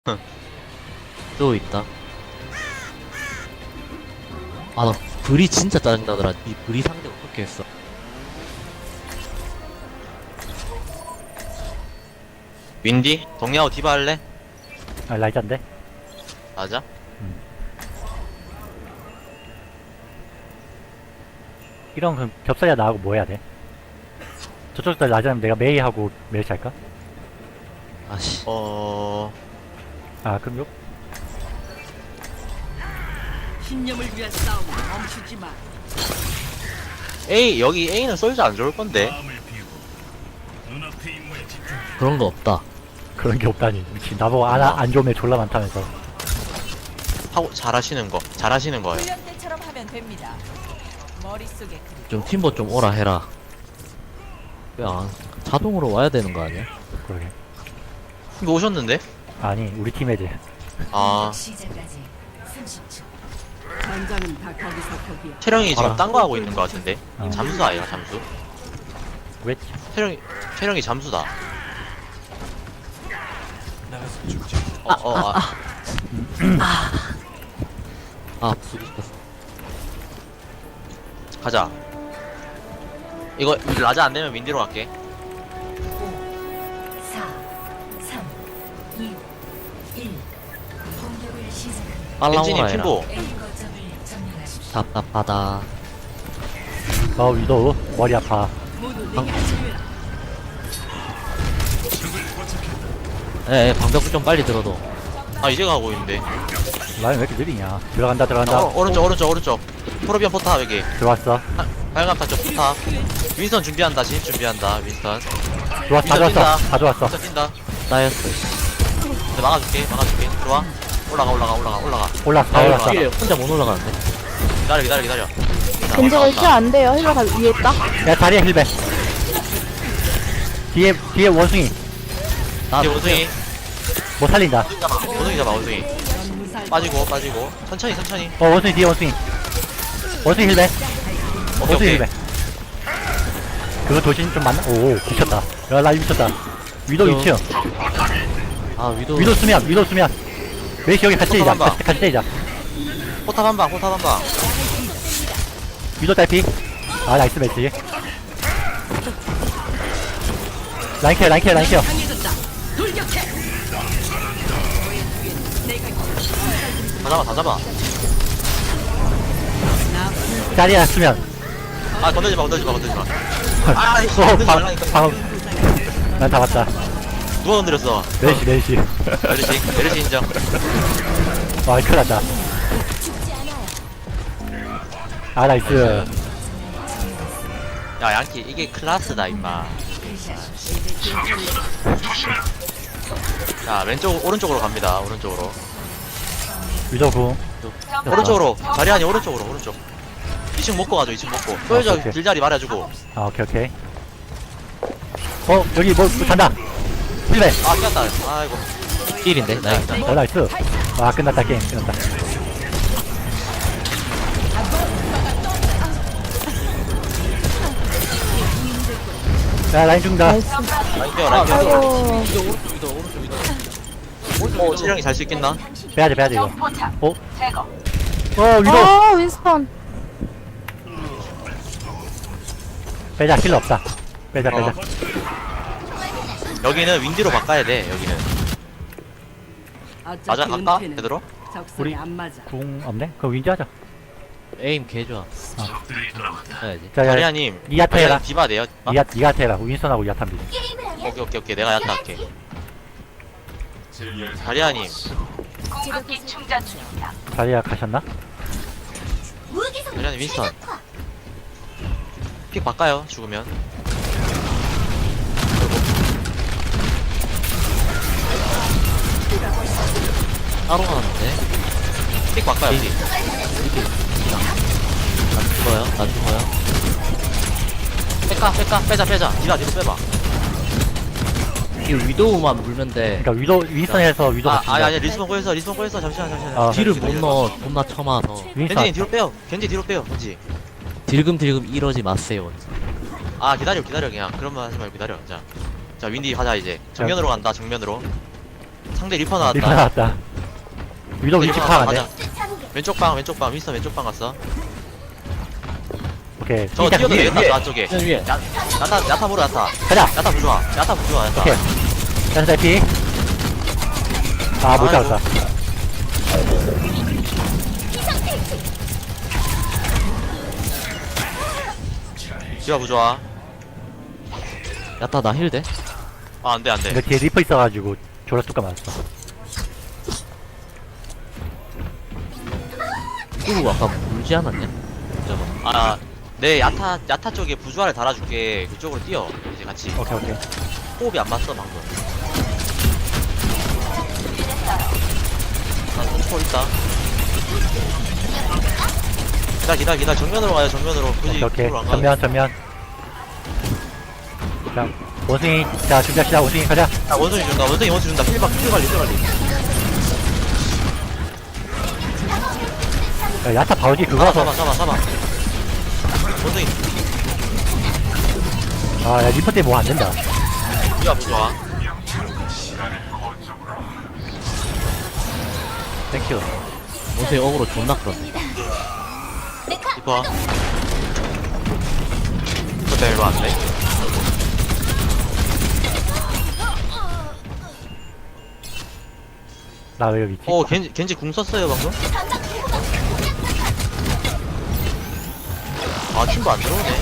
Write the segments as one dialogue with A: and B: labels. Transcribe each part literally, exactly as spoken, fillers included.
A: 또 있다. 아, 나 불이 진짜 짜증나더라. 이 불이 상대 어떻게 했어?
B: 윈디? 동야호 디바 할래?
C: 아, 라이자인데?
B: 맞아?
C: 이런 그 겹살이야 나하고 뭐 해야 돼? 저쪽도 라이자면 내가 메이하고 멜시 할까?
A: 아씨.
B: 어...
C: 아, 그럼 요?
D: 신념을 위한 싸움 멈추지 마.
B: A 여기 A는 솔저 안 좋을 건데.
A: 그런 거 없다.
C: 그런 게 없다니. 미친. 나보고 안, 안 좋으면 졸라 많다면서.
B: 하고 잘하시는 거 잘하시는 거예요.
D: 훈련 때처럼 하면 됩니다. 머릿속에 그리
A: 좀 팀버 좀 오라 해라. 왜 안, 자동으로 와야 되는 거 아니야?
C: 그러게.
B: 이거 오셨는데?
C: 아니, 우리 팀 애들.
B: 아
E: 시작까지 삼십 초.
D: 전장은 다 거기서 거기야.
B: 채령이 지금
A: 알아.
B: 딴 거 하고 있는 거 같은데.
C: 어.
B: 잠수 아이가 잠수.
C: 왜?
B: 채령이 채령이 잠수다. 어, 어, 아,
A: 아, 부수고 싶었어.
B: 가자. 이거 라자 안 되면 윈디로 갈게.
E: 사, 삼, 이, 일. 공격을 시작합니다.
A: 빨라
B: 엔지님
A: 오라 해라.
B: 팀보.
E: A 거점을 점령하십시오.
A: 답답하다.
C: 어, 위도 머리 아파.
D: 모두 내게 하시면
A: 에, 에, 방벽 좀 빨리 들어도.
B: 아 이제 가고 있는데.
C: 라인 왜 이렇게 느리냐? 들어간다, 들어간다.
B: 어, 오른쪽 오른쪽 오른쪽. 프로비언 포탑 여기.
C: 들어왔어.
B: 빨간 타쪽 포탑. 윈스턴 준비한다. 진입 준비한다. 윈스턴.
C: 들어왔어, 다
B: 윈스턴
C: 들어왔어.
B: 뛴다.
C: 다 들어왔어.
B: 윈스턴 뛴다.
A: 따였어.
B: 네, 막아줄게. 막아줄게. 들어와. 올라가 올라가 올라가 올라가.
C: 올랐어, 다
A: 아,
C: 올랐어.
A: 뒤에 혼자 못 올라가는데.
B: 기다려 기다려 기다려. 자,
F: 겐제가
B: 올라간다.
F: 있지 안 돼요. 힐러가 위에 있다.
C: 야, 다리에 힐배. 뒤에, 뒤에 원숭이.
A: 나
B: 뒤에 원숭이.
C: 못 살린다.
B: 원숭이 잡아. 원숭이 잡아 원숭이. 빠지고 빠지고. 천천히 천천히.
C: 어, 원숭이 뒤에 원숭이. 원숭이 힐배.
B: 오케이
C: 원숭이
B: 오케이.
C: 힐배. 그거 도신 좀 맞나? 오, 미쳤다. 야, 나 미쳤다. 위도
A: 저-
C: 이 층.
A: 아, 위도.
C: 위도 수면, 위도 수면. 메이시 여기 같이 때리자.
B: 한번
C: 같이, 같이 때리자.
B: 포탑 한 방. 포탑 한 방.
C: 위도 딸피. 아, 나이스 메시. 라인케어, 라인케어, 라인케어.
B: 다 잡아 다 잡아.
C: 자리야, 수면.
B: 아 건들지 마 건들지 마 건들지 마. 아 이거
C: 어,
B: 건들지
C: 방,
B: 말라니까.
C: 방. 난 잡았다.
B: 누가 건드렸어?
C: 메시, 메시.
B: 메르시 메르시 인정.
C: 와, 큰일 났다. 아, 나이스.
B: 야 양키 이게 클라스다 임마. 자 왼쪽 오른쪽으로 갑니다. 오른쪽으로.
C: 위도 궁.
B: 오른쪽으로. 자리하니 오른쪽으로 오른쪽. 이 층 먹고 가죠. 이 층 먹고. 소유자
C: 오케이.
B: 길자리 말해주고.
C: 아, 오케이, 오케이. 어, 여기 뭐, 뭐 잔다. 힐배.
B: 아 깼다. 아이고.
A: 힐인데? 나 일단.
C: 어, 나이스. 아, 끝났다, 게임. 끝났다. 야, 라인 죽는다.
F: 나이스.
B: 라인 깨워 라인 깨워.
F: 아이고.
A: 위도 오른쪽, 위도 오른쪽, 위도.
B: 어 체력이 잘 수 있겠나?
C: 빼야돼, 빼야돼, 이거. 어? 어, 위도.
F: 어, 윈스턴.
C: 빼자, 힐러 없다. 빼자, 빼자.
B: 어. 여기는 윈디로 바꿔야 돼. 여기는. 맞아 갈까? 베드로?
D: 적성에
C: 우리-
D: 안 맞아.
C: 궁 없네? 그럼 윈지 하자.
A: 에임 개 좋아. 해야지.
C: 자, 야,
B: 자리아님.
C: 이야타 해라.
B: 디바 돼요? 아?
C: 니가, 니가 해라. 윈스턴하고 야탄 비.
B: 오케이 오케이 오케이 내가 야타 할게. 자리아님.
C: 자리야 가셨나?
B: 자리아님 윈스턴. 픽 바꿔요. 죽으면.
A: 따로 가는데?
B: 픽 바꿔요. 픽.
A: 나 죽어요, 나 죽어요.
B: 뺄까 뺄까 빼자 빼자. 디바 뒤로 빼봐.
A: 이 위도우만 물면 돼.
C: 그니까 위도, 윈스턴에서 위도
B: 아
C: 같이.
B: 아니 아니 리스폰 꼬였어 리스폰 꼬였어 잠시만 잠시만.
C: 어.
A: 뒤를 못 넣어, 존나 쳐맞아.
B: 겐지
C: 윈스턴.
B: 뒤로 빼요. 겐지 뒤로 빼요. 겐지.
A: 딜금딜금 이러지 마세요.
B: 아 기다려 기다려 그냥 그런 말 하지 말고 기다려. 자, 자 윈디 하자 이제. 정면으로 간다 정면으로. 상대 리퍼
C: 리퍼
B: 나왔다.
C: 나왔다. 위도 위치
B: 리퍼
C: 파악 안
B: 나왔다.
C: 돼.
B: 가자. 왼쪽 방 왼쪽 방 윈스턴 왼쪽 방 갔어.
C: 오케이.
B: 저거
C: 일단
B: 뛰어도
C: 위에,
B: 되겠다
C: 위에.
B: 저 안쪽에.
A: 위에 위에.
B: 야, 야타 야타 보러 야타.
C: 가자.
B: 야타 부좋아. 야타 부좋아 야타.
C: 오케이. 야타 달피. 아, 못
B: 아이고.
C: 잡았다.
B: 디바 부좋아.
A: 야타 나 힐 돼?
B: 아 안돼 안돼.
C: 근데 뒤에 리퍼 있어가지고 졸라 뚜까 맞았어.
A: 이거 아까 물지 않았냐? 저거.
B: 아, 내 야타 야타 쪽에 부주화를 달아줄게. 그쪽으로 뛰어. 이제 같이.
C: 오케이, 오케이.
B: 호흡이 안 맞어 방금. 아, 초월 있다. 기다 기다 기다 정면으로 가요 정면으로. 굳이
C: 오케이, 오케이.
B: 쪽으로 안 가도
C: 전면, 전면. 자, 원숭이. 자, 준비합시다. 원숭이 가자.
B: 아, 원숭이 준다 원숭이 원숭이 준다. 필박 필 관리 필 관리.
C: 야, 야타 바우지
B: 잡아
C: 그거라서.
B: 잡아 잡아 잡아. 원숭이
C: 아, 야, 리퍼 때문에 뭐 안 된다.
B: 디바 부좋아.
C: 땡큐.
A: 옷에 어그로 존나 끌었네.
B: 디바. 이거 때문에 이거 안 돼.
C: 나 왜 여기 있지?
B: 오 겐지 겐지 궁 썼어요 방금. 아 팀도 안 들어오네.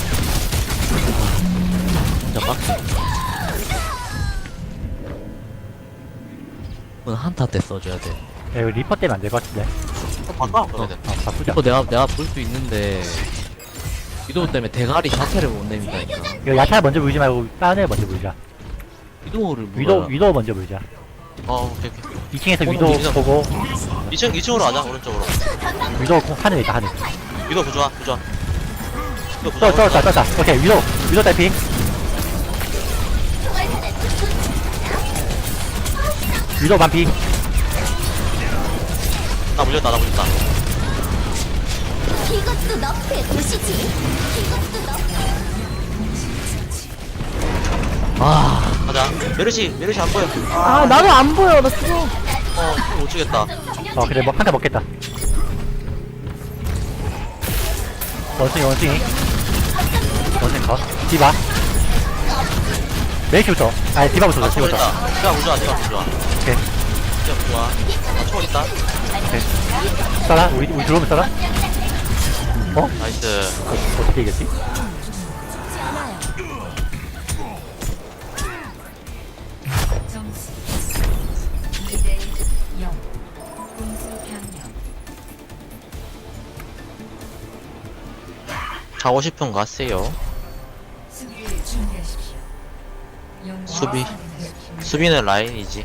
A: 진짜 빡세. 이건 한타 때 써줘야 돼.
C: 야, 이거 리퍼 때문에 안 될 것 같은데.
B: 어, 바꿔 그러면.
C: 아, 바꾸자.
A: 이거 내가 내가 볼 수 있는데 위도우 때문에 대가리 자체를 못 내민다니까.
C: 이거 야타 먼저 물지 말고 다른 애 먼저 물자.
A: 위도우를
C: 위도,
A: 물어야.
C: 위도 먼저 물자.
B: 어 오케이 오케이.
C: 이 층에서
A: 오늘
C: 위도
B: 위도.
C: 보고,
B: 이 층 이 층으로 가자 오른쪽으로.
C: 위도 하늘 있다, 하늘.
B: 위도 부좋아 부좋아. 위도
C: 떠,
B: 부좋아.
C: 떠, 떠, 떠. 오케이, 위도, 위도 달피. 위도 반피.
B: 나 물렸다 나 물렸다.
G: 이것도 너프의 도시지. 이것도 너프.
A: 아
B: 가자. 메르시 메르시 안 보여.
F: 아, 나도 안 보여. 나 죽어.
B: 어못 주겠다.
C: 어, 그래, 뭐, 한타 먹겠다. 원숭이, 원숭이. 원숭이 컷. 디바. 메이시부터. 아니, 디바부터,
B: 나 초월
C: 디바부터.
B: 있다. 디바 부좋아 디바 부좋아.
C: 오케이.
B: 디바 부좋아. 나 초월 있다.
C: 써라? 우리, 우리 들어오면 써라? 어?
B: 나이스.
C: 어, 어떻게 이겼지?
E: 점수 이 대 영. 공수 변경.
B: 가고 싶은 거 하세요.
E: 수비를 준비하십시오. 영웅을
B: 수비.
E: 선택하십시오.
B: 수비는 라인이지.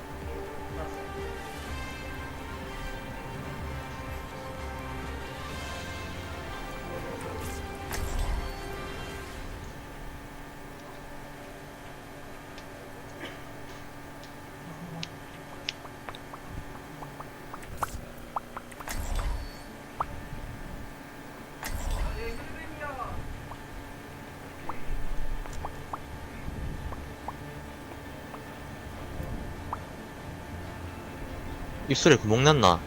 B: 입술에 구멍 났나?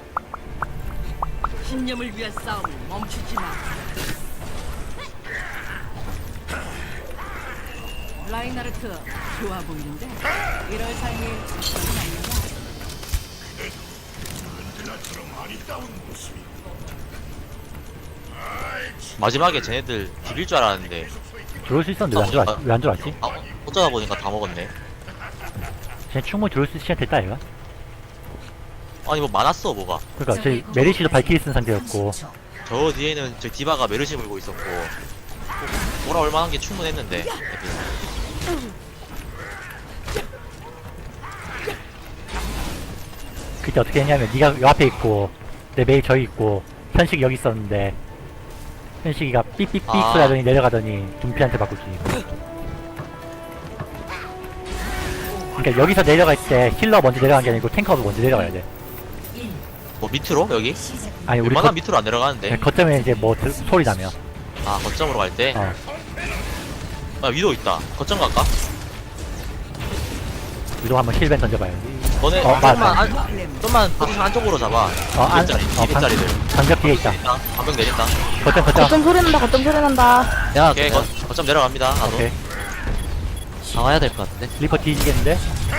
D: 신념을 위한 싸움을 멈추지 마. 라이나르트 좋아 보이는데 이럴 삶이 적절히 아니야.
B: 마지막에 쟤네들 비빌 줄 알았는데
C: 들어올 수 있었는데 왜 안 들어왔지? 왜 안 들어왔지?
B: 아, 어쩌다 보니까 다 먹었네.
C: 쟤 충분히 들어올 수 있을 시간 됐다, 얘가.
B: 아니 뭐 많았어 뭐가.
C: 그러니까 제 메리시도 발키리 쓴 상태였고,
B: 저 뒤에는 저 디바가 메르시 물고 있었고 돌아올 만한 게 충분했는데 애들.
C: 그때 어떻게 했냐면 네가 요 앞에 있고 내 메일 저기 있고 현식이 여기 있었는데 현식이가 삐삐삐
B: 아.
C: 소리 하더니 내려가더니 둠피한테 바꾸지. 그러니까 여기서 내려갈 때 힐러 먼저 내려간 게 아니고 탱커가 먼저 내려가야 돼.
E: 일.
B: 뭐 밑으로 여기?
E: 시작.
C: 아니 우리
B: 웬만하면
C: 거,
B: 밑으로 안 내려가는데.
C: 거점에 이제 뭐 들- 소리 나면
B: 아 거점으로 갈 때.
C: 어.
B: 아 위도 있다. 거점 갈까?
C: 위도 한번 힐벤 던져봐요.
B: 너네
C: 어,
B: 좀만
C: 맞아.
B: 안, 좀만 포지션 안쪽으로 잡아.
C: 어, 안,
B: 이백짜리,
C: 어,
B: 이백짜리들.
C: 방벽 뒤에 있다.
B: 반병 내린다.
C: 거점, 거점.
F: 거점 소리 난다, 거점 소리 난다.
A: 야,
B: 오케이, 거, 거점 내려갑니다. 나도.
C: 오케이.
A: 나와야 될 것 같은데.
C: 리퍼 뒤지겠는데?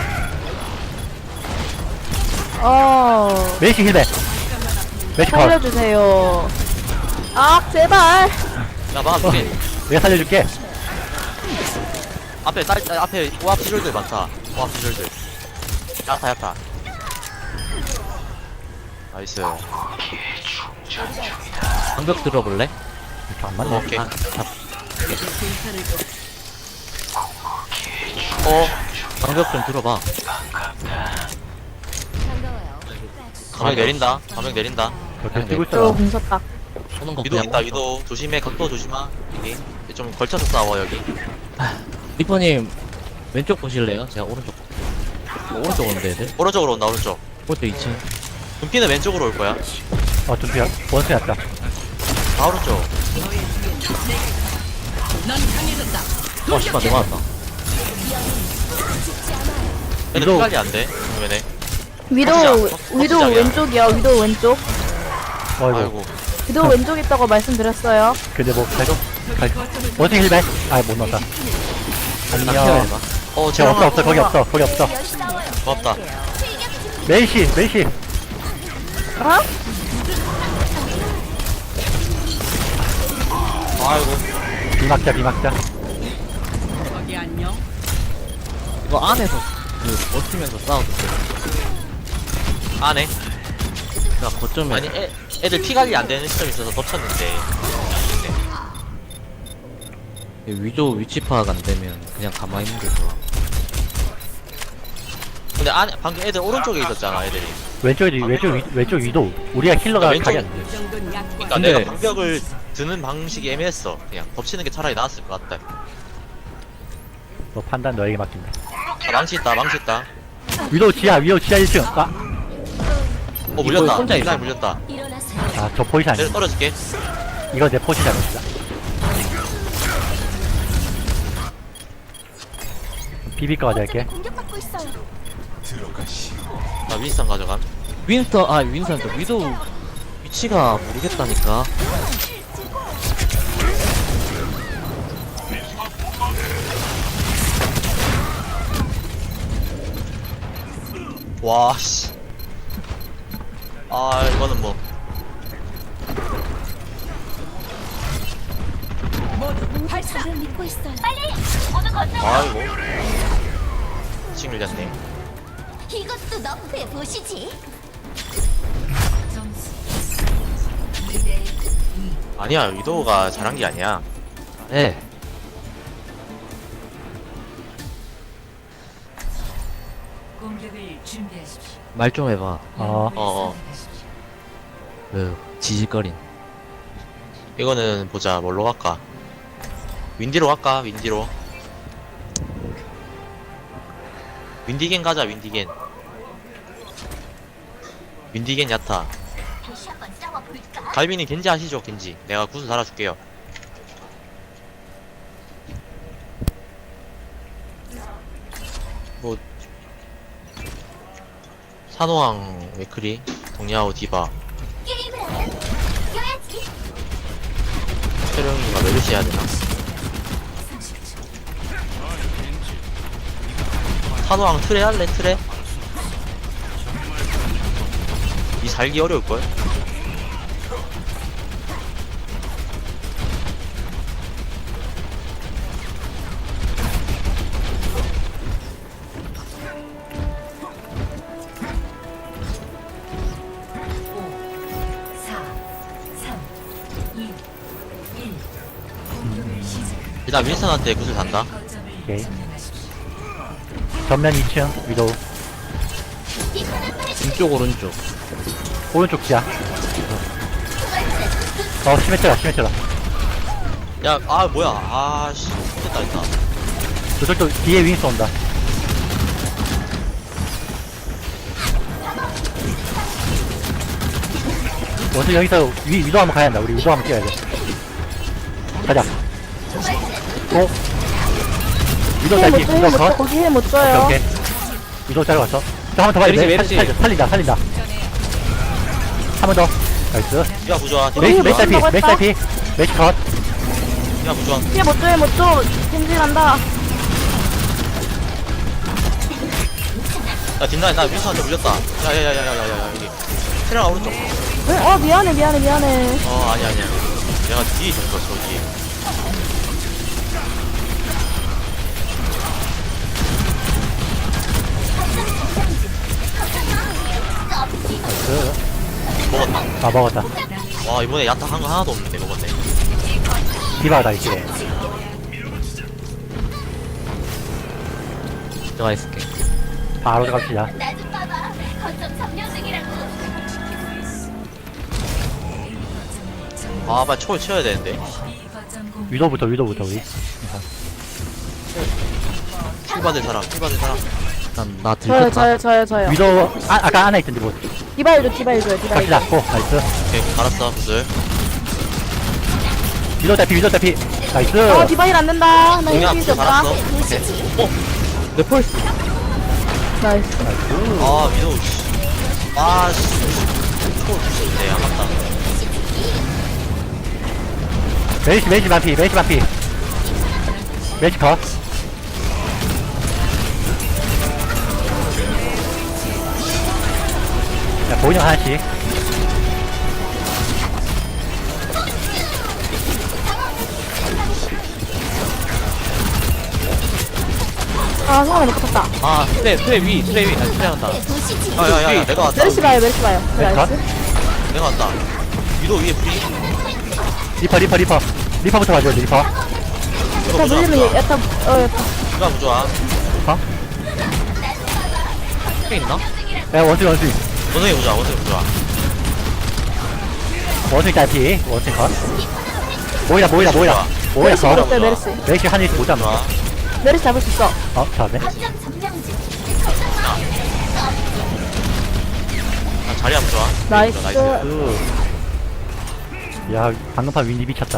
F: 어,
C: 메이시 힐벤. 메이시 컷.
F: 살려주세요. 아, 제발.
B: 야, 막,
C: 어,
B: 이게
C: 내가 살려줄게.
B: 앞에 딸, 딸, 앞에 오합 시절들 많다. 오합 시절들. 야타, 야타. 나이스.
A: 방벽 들어볼래?
C: 이렇게 안 맞네.
B: 오케이.
A: 아, 잡,
B: 어,
A: 방벽 좀 들어봐.
G: 반가워요.
B: 가명 내린다. 가명 내린다.
C: 이렇게 뛰고
F: 저
C: 있어.
F: 공쳤다.
A: 오는 거
B: 위도
A: 그냥
B: 있다,
A: 멈춰.
B: 위도. 조심해, 각도 조심하. 여기. 좀 걸쳐서 싸워, 여기.
A: 리퍼님 왼쪽 보실래요? 제가 오른쪽 볼게요. 오른쪽 오는데 애들?
B: 오른쪽으로 온다, 오른쪽.
A: 오른쪽 이 층.
B: 금피는 왼쪽으로 올 거야.
C: 어, 좀 피하. 원수 났다.
B: 다 오른쪽.
A: 어 씨발 내가 왔다.
B: 애들
C: 위도.
B: 피관리 안 돼. 그러면에.
F: 위도,
B: 커지자.
F: 위도
B: 커지자야.
F: 왼쪽이요, 위도 왼쪽.
C: 어이구.
B: 아이고.
F: 위도 왼쪽 있다고 말씀드렸어요.
C: 근데 뭐, 그래도. 갈- 원수 힐벤. 아, 못 넣었다. 안녕.
A: 해봐.
B: 어,
C: 쟤 없어,
B: 체력
C: 없어. 거기 없어. 거기 없어.
B: 고맙다.
C: 메이시, 메이시.
F: 어?
B: 아이고.
C: 비막자, 비막자.
A: 이거 안에서 그 버티면서 싸워도 돼.
B: 안에.
A: 나 거점에
B: 아니, 애, 애들 피 관리 안 되는 시점이 있어서 덮쳤는데.
A: 위도 위치 파악 안 되면 그냥 가만히 있는 게 좋아.
B: 근데 안에, 방금 애들 오른쪽에 있었잖아, 애들이.
C: 왼쪽이, 왼쪽, 위, 왼쪽 위도. 우리가 힐러가
B: 왼쪽-
C: 가게 안 돼.
B: 그니까
A: 근데-
B: 내가 방벽을 드는 방식이 애매했어. 그냥 덮치는 게 차라리 나았을 것 같다.
C: 너 판단 너에게 맡긴다.
B: 아, 망치 있다, 망치 있다.
C: 위도 지하, 위도 지하 일 층. 아,
B: 어, 물렸다.
A: 혼자 있어.
B: 라인 물렸다.
G: 일어나세요.
C: 아, 저 포지션
B: 내려
C: 아니야.
B: 떨어질게.
C: 이거 내 포지션이었다. 비비과 가져갈게.
G: 공격받고 있어요.
B: 나 윈스턴 가져감.
A: 윈스터 아 윈스터 저 위도 위치가 모르겠다니까.
B: 와, 씨. 아, 이거는 뭐.
G: 저를 믿고 있어요. 빨리 모두 거쳐.
B: 아이고. 칭 밀렸네.
G: 이것도 너프해 보시지.
E: 점수 이 대 이.
B: 아니야, 위도우가 잘한 게 아니야.
A: 네.
E: 공격을 준비하십시오.
A: 말 좀 해봐.
C: 어,
B: 어, 어.
E: 선택하십시오.
A: 그 지질거린.
B: 이거는 보자, 뭘로 갈까? 윈디로 갈까? 윈디로. 윈디겐 가자, 윈디겐. 윈디겐 야타.
G: 다시 한번 싸워볼까?
B: 갈비님 겐지 하시죠, 겐지. 내가 구슬 달아줄게요. 뭐, 산호왕 웨크리, 동야오 디바,
G: 게임을 하면 이겨야지.
B: 최령이가 메르시 해야 되나? 산호왕 트레 할래, 트레? 이 살기 어려울걸?
E: 사, 삼, 이, 일. 공격을 시작합니다.
B: 일단 윈스턴한테 구슬 단다.
E: 거점을
C: 오케이.
E: 점령하십시오.
C: 전면 이 층, 위도.
A: 왼쪽 오른쪽.
C: 오른쪽 지하. 어, 심해쳐라, 심해쳐라.
B: 야, 아, 뭐야. 아, 씨. 됐다, 됐다.
C: 저쪽도 뒤에 윙스 온다. 원수 여기서 위, 위도 한번 가야 한다. 우리 위도 한번 뛰어야 돼. 가자. 오. 위도
F: 힐
C: 달기,
F: 못 줘, 힐
C: 위도
F: 못 줘,
C: 컷.
F: 거기 힐 못
C: 오케이,
F: 줘요.
C: 오케이. 위도 자러 갔어. 한 번 더 봐야 돼.
A: 메르시,
C: 살-
A: 메르시.
C: 살- 살린다, 살린다. 한 번 더. 나이스.
B: 디바 부조화 디바
C: 메시, 메시
B: 부조화
C: 딸피,
F: 한다고
C: 메시
F: 했다?
C: 딸피. 메시 컷.
B: 디바 부조화
F: 피해 못 줘, 못 줘. 찜질한다.
B: 야 뒷라인 나 윈스한테 물렸다 야야야야야야야 여기 테라 오른쪽
F: 어, 미안해, 미안해, 미안해.
B: 어 아니 아니야 내가 뒤에 있었어 저기
C: 나이스.
B: 먹었다
C: 아, 먹었다.
B: 와 이번에 야타 한 거 하나도 없는데 먹었네
C: 디바가 다 있지.
A: 들어가 있을게.
C: 바로 들어갑시다.
G: 나 좀 봐봐. 거점 점령 중이라고.
B: 아 빨리 초를 쳐야 되는데
E: B 거점 공격
C: 위도부터, 위도부터, 우리.
B: 킬 받을 사람 킬 받을 사람
A: 난, 나
F: 저요,
A: 들켰다.
F: 저요, 저요, 저요.
C: 위도, 아, 아까 안에 있던데, 뭐.
F: 디바일 줘, 디바일 줘요, 디바일
C: 갑시다.
F: 줘.
C: 고, 나이스.
B: 오케이 갈았어 구슬
C: 위도 딸피, 위도 딸피. 나이스.
F: 어, 디바일 안 된다. 나
B: 공략
F: 힘이
B: 구슬
F: 없다.
B: 갈았어 오케이
A: 내 펄스.
F: 나이스.
C: 나이스.
B: 아 위도우 씨. 아씨 초를 주시네 아깝다
C: 메시, 메시 반피, 메시 반피. 메시 컷. 자, 보인형 하나씩.
F: 아, 성원이 못 쳤다.
A: 아, 트레, 트레 위, 트레 위. 아, 트레 한다.
B: 야야야 내가 왔다
F: 메르시 봐요, 메르시 봐요.
C: 메시 컷.
F: 나이스.
B: 내가 왔다 위도우 위에 프리
C: 리퍼, 리퍼, 리퍼. 리퍼부터 가져야 돼, 리퍼.
B: 이거
F: 자,
B: 부조화
F: 물리면
B: 부조화
F: 야타, 어, 야타.
B: 디바 부조화
A: 트레 있나?
C: 야, 원숭이, 원숭이.
B: 원숭이 부조화 원숭이 부조화
C: 원숭이 딸피. 원숭이 컷. 모이라, 모이라, 모이라. 모이라
F: 메르시
C: 컷.
F: 물었어요, 메르시.
C: 메시 하늘에서 못 잡는 거.
B: 부조화
F: 메르시 잡을 수 있어.
C: 어, 잡네.
G: 거점 점령 중.
B: 아, 자리 한번 좋아
F: 나이스.
B: 나이스
C: 으. 야, 방금 판 윈디 미쳤다.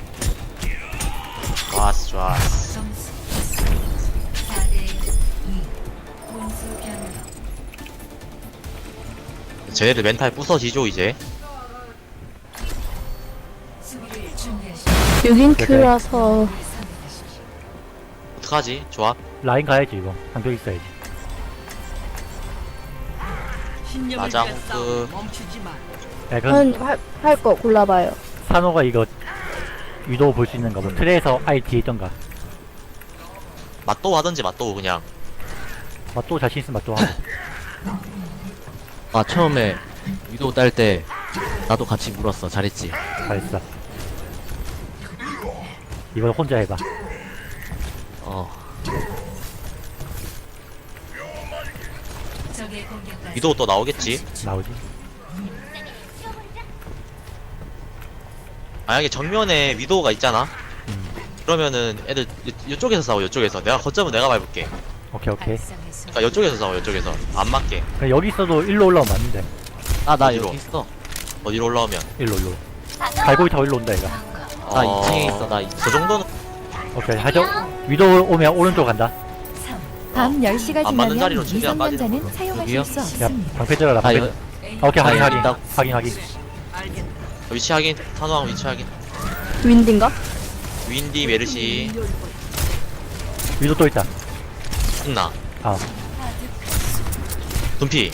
B: 좋았어 좋았어
E: 점수 사 대 이 공수 변경
B: 쟤네들 멘탈 부서지죠 이제
E: 수비를 준비하십시오.
F: 육인 큐라서.
B: 어떡하지 조합
C: 라인 가야지, 이거. 방벽 있어야지.
B: 마장 호크
C: 야, 그럼
F: 한, 할 거 골라봐요.
C: 산호가 이거 위도 볼 수 있는 거 뭐. 트레에서 아예 뒤에 있던가.
B: 맛도 하던지 맛도 그냥
C: 아, 또 자신 있으면 또 하고.
A: 아, 처음에 위도우 딸 때 나도 같이 물었어. 잘했지.
C: 잘했어. 이번 혼자 해봐.
A: 어.
E: 적의 공격까지
B: 위도우 또 나오겠지
C: 나오지.
B: 만약에 정면에 위도우가 있잖아
C: 음.
B: 그러면은 애들 이- 이쪽에서 싸워 이쪽에서 내가 거점은 내가 밟을게
C: 오케이, 오케이.
E: 발상에서
B: 그러니까 이쪽에서 싸워 이쪽에서 안 맞게
C: 그냥 여기 있어도 일로 올라오면 맞는데.
A: 아, 나
B: 어디로?
A: 여기 있어.
B: 어디로 올라오면
C: 일로, 일로. 갈고리 타고 일로 온다, 얘가.
A: 나 이 층에 있어. 나 이 층.
B: 그 정도는
C: 오케이, 하죠. 위도 오면 오른쪽 간다.
G: 밤 열 시가
B: 안 맞는
G: 지나면
B: 자리로 최대한 빠지는
G: 미성년자는
A: 여기요?
G: 사용하실 수
C: 야,
G: 없습니다.
C: 방패 들어라,
A: 아,
C: 방패.
A: 이거.
C: 오케이, 확인,
A: 아,
C: 확인.
A: 있다.
C: 확인, 확인.
B: 위치 확인 산호왕 위치 확인
F: 윈딘가?
B: 윈디 메르시
C: 위도 또 있다.
B: 있나
C: 아,
B: 둠피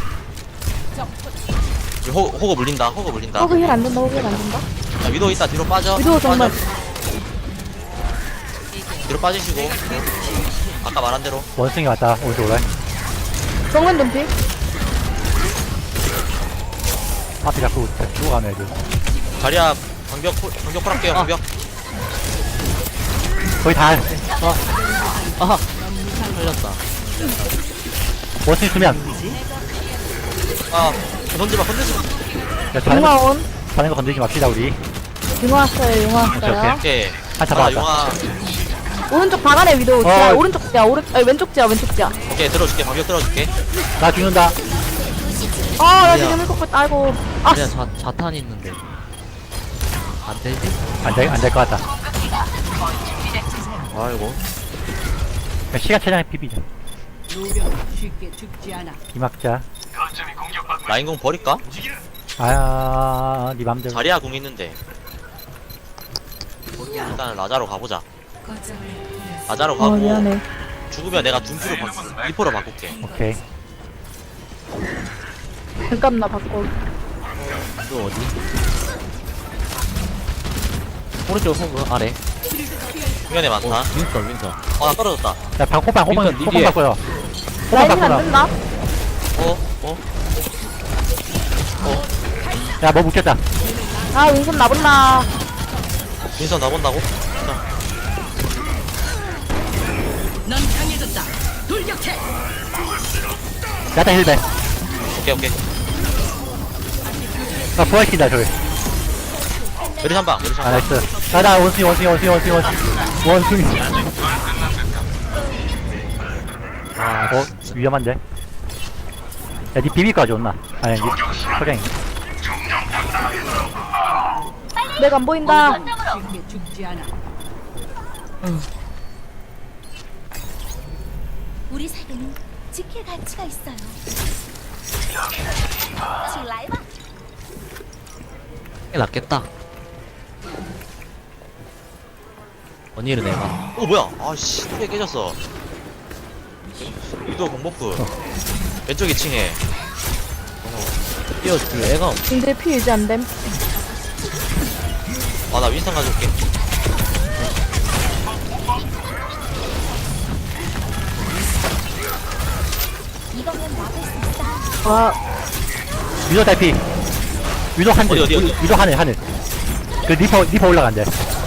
B: 호, 호그 물린다 호그 물린다
F: 호그 힐 안 된다, 호그 힐 안 된다.
B: 야, 위도우 있다 뒤로 빠져
F: 위도우 정말.
B: 빠져. 뒤로 빠지시고 아까 말한 대로
C: 원숭이 왔다. 오른쪽 올라.
F: 정면 덤피.
C: 앞에 자꾸 죽어가네, 애들.
B: 자리야 방벽 폴- 방벽 폴할게요
A: 아.
B: 방벽
C: 거의 다.
A: 아, 걸렸다.
C: 원숭이 수면.
B: 아 던지마 건들지마
C: 야, 자는 거,
F: 용화 온.
C: 자는 거 건들지 맙시다, 우리.
F: 용화 왔어요, 용화 왔어요.
B: 오케이
C: 한
B: 아
C: 잡아왔다.
B: 용화
F: 오른쪽 방 안에 위도. 지하,
C: 어.
F: 오른쪽 지하, 오른, 아니, 왼쪽 지하, 왼쪽 지하.
B: 오케이 들어줄게 방벽 들어줄게
C: 나 죽는다.
F: 아, 나
A: 아니야.
F: 지금 일곱 번, 아이고. 아,
A: 그냥 자, 자탄 있는데. 안 되지?
C: 안 될, 안 될 것 같다.
B: 아이고
C: 그냥 시간 최장의 피비자.
D: 노병은 쉽게 죽지 않아.
C: 기막자.
B: 라인공 버릴까?
C: 아, 니 맘대로.
B: 자리야 공 있는데. 일단 라자로 가보자.
E: 거점을 잃었습니다.
B: 라자로
F: 어,
B: 가고
F: 미안해.
B: 죽으면 내가 둠피로 바, 리퍼로 바꿀게.
C: 오케이.
F: 잠깐 나 바꿔.
A: 또 어디? 오른쪽 호그 아래.
B: 후면에 많다.
A: 어, 윈터 윈터.
B: 어, 나 떨어졌다.
C: 야, 방, 호방, 호방,
A: 일단 니
C: 호방
A: 뒤에.
C: 바꿔요. 호방
F: 라인이 안
C: 바꿔라.
F: 된다.
B: 어? 어?
C: 야, 뭐 묶였다.
F: 아, 윈선 나본다.
B: 윈선 나본다고?
D: 넌 강해졌다. 돌격해.
C: 야다 힐배.
B: 오케이, 오케이.
C: 아, 부활시킨다, 저기.
B: 메르시 한 방, 메르시
C: 아,
B: 한 방.
C: 나이스. 야, 나 원숭이, 원숭이, 원숭이, 원숭이, 원숭이. 원숭이.
A: 아,
C: 어, 위험한데? 야, 니 비비까지 온나? 아니, 니 소량이.
F: 내가 안 보인다.
D: 쉽게 죽지 않아.
G: 우리 사이에는 지킬 가치가 있어요. 지금 라이브
A: 꽤 낫겠다. 언니를 내가.
B: 어, 뭐야? 아씨, 뚜개 깨졌어. 유도 공버프. 왼쪽 이 층에.
A: 뛰어줄 애가 없.
F: 근데 피 유지 안 됨.
B: 아, 나 윈선 가져올게.
G: 이거면 막을 수 있어.
F: 와,
C: 위도 달피. 위도 한 줄.
B: 어디, 어디, 어디?
C: 위도 하늘, 하늘. 그 리퍼, 리퍼 올라간대.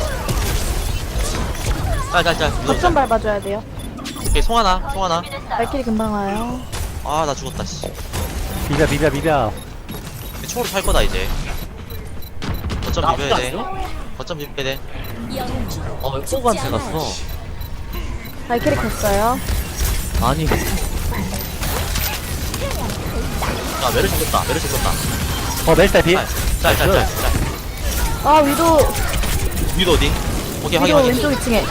B: 짤, 짤, 짤. 유도
F: 거점
B: 짤.
F: 밟아줘야 돼요.
B: 오케이, 송 하나, 송 하나.
F: 발길이 금방 와요.
B: 아, 나 죽었다, 씨.
C: 비벼, 비벼, 비벼.
B: 총으로 살 거다, 이제. 거점
A: 나
B: 비벼야 돼.
A: 아프지
B: 거점 비벼야 돼.
G: 영웅주
A: 어, 왜 호그한테 갔어?
F: 발길이 켰어요.
A: 아니,
B: 야, 메르시 죽었다, 메르시 죽었다.
C: 어, 멜스 달피.
B: 짤, 짤, 짤, 짤. 짤.
F: 아, 위도,
B: 위도 어디? 오케이, 확인,
F: 위도
B: 확인.
F: 왼쪽 이 층에.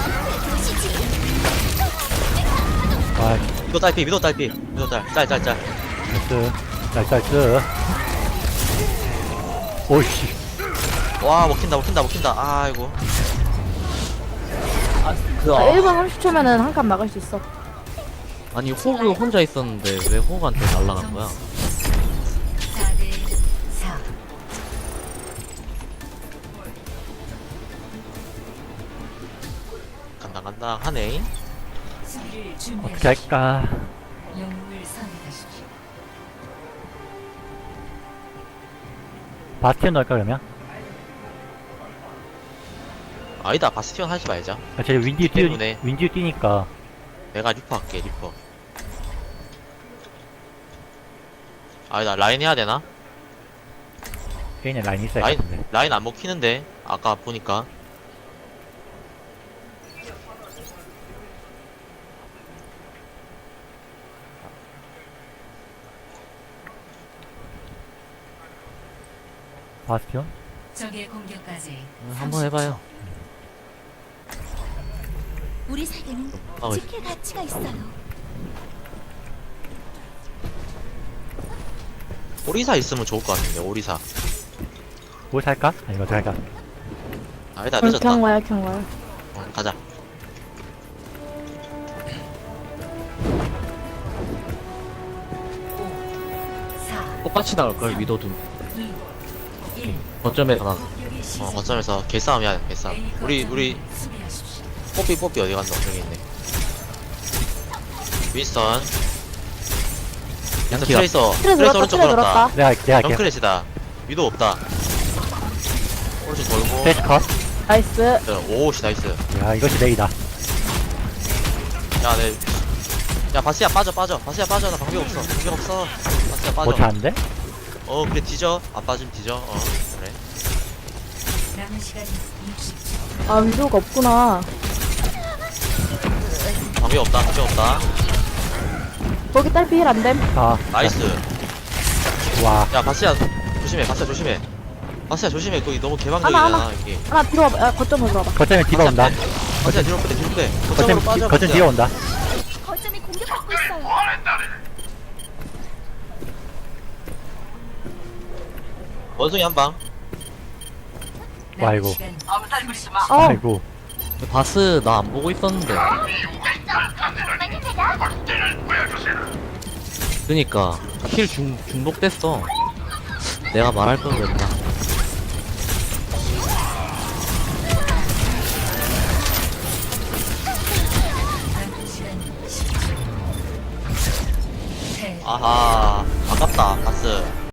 C: 와,
B: 위도 딸피, 위도 딸피. 위도 딸, 짤, 짤, 짤.
C: 나이스. 나이스, 나이스. 오이씨.
B: 와, 먹힌다, 먹힌다, 먹힌다. 아이고.
A: 아, 그,
F: 아,
A: 아,
F: 일 분 삼십 초면은 한 칸 막을 수 있어.
A: 아니, 호그 혼자 있었는데 왜 호그한테 날라간 거야?
E: 사 대 사.
B: 간다, 간다. 하네.
E: 수비를
C: 어떻게
E: 준비하십시오.
C: 할까?
E: 영웅을 선택하십시오.
C: 바스티온 넣을까, 그러면?
B: 아니다, 바스티온 하지 말자.
C: 아, 쟤 윈디 뛰,
B: 때문에.
C: 윈디 뛰니까.
B: 내가 리퍼 할게, 리퍼. 아니다, 라인 해야 되나?
C: 걔네 라인 있어야
B: 라인,
C: 겠는데.
B: 라인 안 먹히는데. 아까 보니까.
C: 바스티온?
E: 적의 공격까지
A: 음, 한번 해봐요.
G: 우리 사이에는
A: 아, 왜-
G: 지킬 가치가 있어요.
B: 오리사 있으면 좋을 것 같은데, 오리사.
C: 뭐 살까? 아니, 어떻게 할까?
B: 아니다,
F: 어,
B: 늦었다.
F: 그냥 와요, 그냥 와요.
B: 어, 가자.
E: 사,
A: 똑같이 나올걸, 위도도.
E: 이, 일.
A: 거점에 가나.
E: 공격의 시작.
B: 어, 거점에서 개싸움 해야 돼, 개싸움.
E: A
B: 우리,
E: 거점을
B: 우리,
E: 수비하십시오.
B: 뽀삐, 뽀삐 어디 갔노? 저기 있네. 윈스턴. 윈스턴
A: 양키가.
B: 트레이서.
F: 틀에
B: 트레이서
F: 들었다,
B: 오른쪽
F: 틀에
B: 돌았다.
F: 들었다.
C: 내가, 내가 할게.
B: 정크렛이다. 위도 없다. 오른쪽 돌고.
C: 패스 컷.
F: 나이스.
B: 오씨, 나이스.
C: 야, 이것이 레이다.
B: 야, 내. 야, 바스야 빠져, 빠져. 바스야 빠져. 나 방벽 없어. 방벽 없어. 바스야 빠져.
C: 못 차는데?
B: 어, 그래, 뒤져. 안 빠지면 뒤져. 어, 그래.
E: 남은 시간 육십 초.
F: 아, 위도가 없구나.
B: 방벽 없다, 방벽 없다.
F: 거기 딸피 힐 안 됨.
C: 아,
B: 나이스.
C: 와.
B: 야, 바스야, 조심해. 바스야, 조심해. 바스야, 조심해. 거기 너무
F: 하나,
B: 개방적이잖아,
F: 하나.
B: 여기.
F: 하나 뒤로 와봐. 아, 거점으로 들어와봐.
C: 거점에 디바 온다.
B: 바스야, 뒤로 빼, 뒤로 빼.
C: 거점,
B: 거점으로 빠져.
C: 거점
B: 바스야.
C: 뒤에 온다.
G: 거점이 공격받고 있어요.
B: 원숭이 한방
C: 아이고.
F: 어,
C: 아이고.
A: 바스 나 안 보고 있었는데. 그니까 킬 중, 중복됐어. 내가 말할 걸 그랬나.
E: 남은 시간 십 초. 패.
B: 아하 아깝다 바스